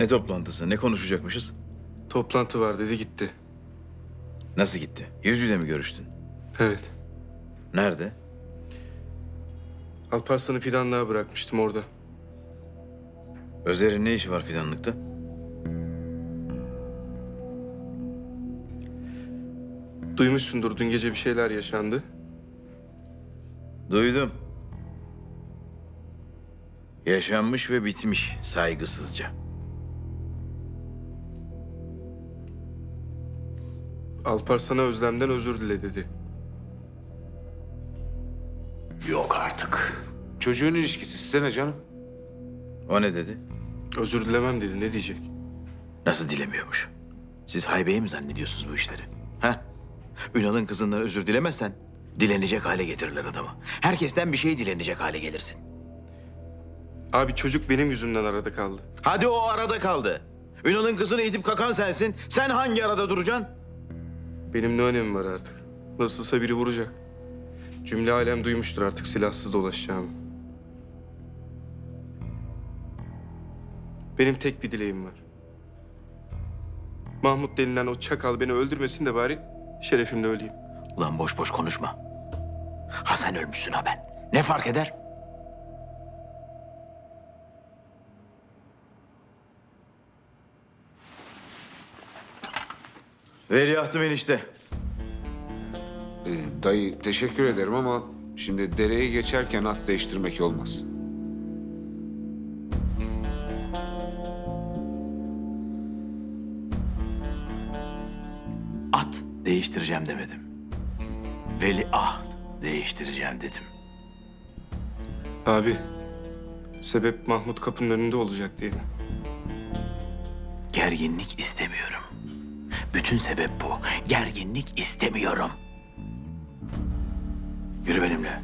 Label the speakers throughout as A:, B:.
A: Ne toplantısı? Ne konuşacakmışız?
B: Toplantı var dedi gitti.
A: Nasıl gitti? Yüz yüze mi görüştün?
B: Evet.
A: Nerede?
B: Alparslan'ı fidanlığa bırakmıştım orada.
A: Özer'in ne işi var fidanlıkta?
B: Duymuşsundur dün gece bir şeyler yaşandı.
A: Duydum. Yaşanmış ve bitmiş saygısızca.
B: Alparslan'a Özlem'den özür dile dedi.
C: Yok artık. Çocuğun ilişkisi size ne canım?
A: O ne dedi?
B: Özür dilemem dedi, ne diyecek?
A: Nasıl dilemiyormuş? Siz haybeyi mi zannediyorsunuz bu işleri? Ha? Ünal'ın kızından özür dilemezsen dilenecek hale getirirler adamı. Herkesten bir şey dilenecek hale gelirsin.
B: Abi çocuk benim yüzümden arada kaldı.
A: Hadi o arada kaldı. Ünal'ın kızını itip kakan sensin. Sen hangi arada duracaksın?
B: Benim ne önemi var artık? Nasılsa biri vuracak. Cümle alem duymuştur artık silahsız dolaşacağımı. Benim tek bir dileğim var. Mahmut denilen o çakal beni öldürmesin de bari şerefimle öleyim.
A: Ulan boş boş konuşma. Ha sen ölmüşsün ha ben. Ne fark eder? Veliahtım enişte.
C: Dayı teşekkür ederim ama şimdi dereyi geçerken at değiştirmek olmaz.
A: At değiştireceğim demedim. Veliaht değiştireceğim dedim.
B: Abi, sebep Mahmut kapının önünde olacak diye mi?
A: Gerginlik istemiyorum. Bütün sebep bu. Gerginlik istemiyorum. Yürü benimle.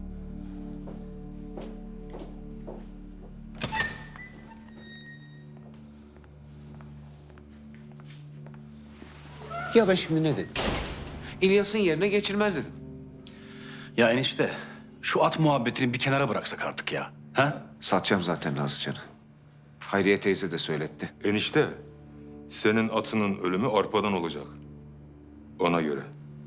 C: Ya ben şimdi ne dedim? İlyas'ın yerine geçilmez dedim.
D: Ya enişte, şu at muhabbetini bir kenara bıraksak artık ya. Ha?
C: Satacağım zaten Nazlıcan'ı. Hayriye teyze de söyletti.
E: Enişte, senin atının ölümü arpadan olacak. Ona göre.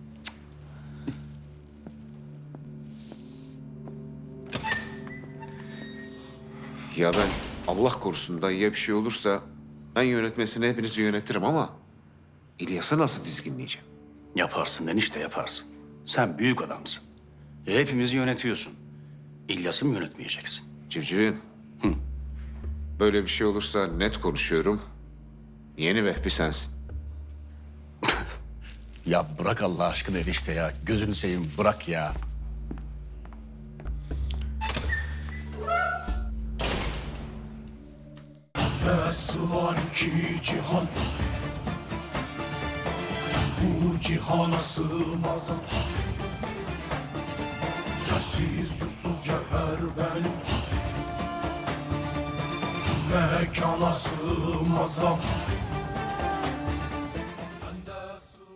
C: Ya ben Allah korusun dayıya bir şey olursa ben yönetmesini hepinizi yönetirim ama İlyas'ı nasıl dizginleyeceğim?
D: Yaparsın enişte yaparsın. Sen büyük adamsın. Hepimizi yönetiyorsun. İlyas'ı mı yönetmeyeceksin?
C: Civcivin. Böyle bir şey olursa net konuşuyorum. Yeni Vehbi sensin.
D: Ya bırak Allah aşkına enişte ya. Gözünü seveyim bırak ya.
F: Nasıl var ki cihan, bu cihana sığmaz. Yersiz yursuz cevher benim, mekana sığmaz.